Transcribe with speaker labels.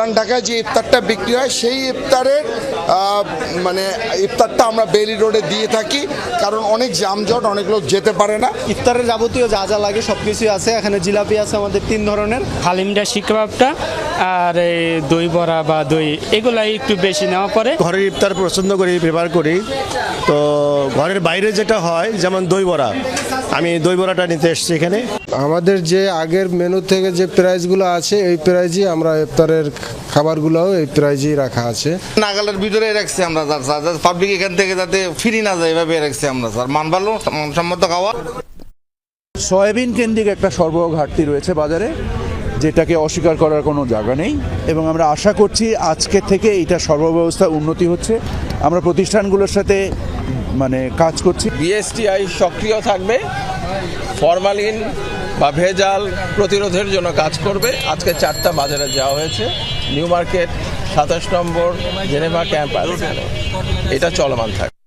Speaker 1: পুরান ঢাকায় যে ইফতারটা বিক্রি হয় সেই ইফতারের মানে ইফতারটা আমরা বেইলি রোডে দিয়ে থাকি, কারণ অনেক যানজট, অনেক লোক যেতে পারে না।
Speaker 2: ইফতারের যাবতীয় যা যা লাগে সব কিছুই আছে এখানে। জিলাপি আছে আমাদের 3 ধরনের,
Speaker 3: হালিমটা, শিক কাবাবটা আর এই দই বড়া বা দই এগুলাই একটু বেশি নেওয়া পড়ে।
Speaker 4: ঘরের ইফতার পছন্দ করি, প্রেফার করি। তো ঘরের বাইরে যেটা হয়, যেমন দই বড়া, আমি দই বড়াটা নিতে এসেছি এখানে।
Speaker 5: আমাদের যে আগের মেনু থেকে যে প্রাইসগুলো আছে এই প্রাইজই আমরা ইফতারের খাবারগুলোও এই প্রাইজেই রাখা আছে।
Speaker 6: নাগালের ভিতরে রাখছি আমরা স্যার, পাবলিক এখান থেকে যাতে ফিরি না যায় এভাবে রাখছি আমরা স্যার। মান ভালো, মানসম্মত খাওয়া।
Speaker 7: সয়াবিন কেন্দ্রিক একটা সরবরাহ ঘাটতি রয়েছে বাজারে, যেটাকে অস্বীকার করার কোনো জায়গা নেই, এবং আমরা আশা করছি আজকে থেকে এইটা সরবরাহ ব্যবস্থা উন্নতি হচ্ছে। আমরা প্রতিষ্ঠানগুলোর সাথে কাজ করছি।
Speaker 8: বিএসটিআই সক্রিয় থাকবে, ফরমালিন বা ভেজাল প্রতিরোধের জন্য কাজ করবে। আজকে 4টা বাজারে যাওয়া হয়েছে, new market, 27 number, Geneva camp, এটা চলমান থাকবে।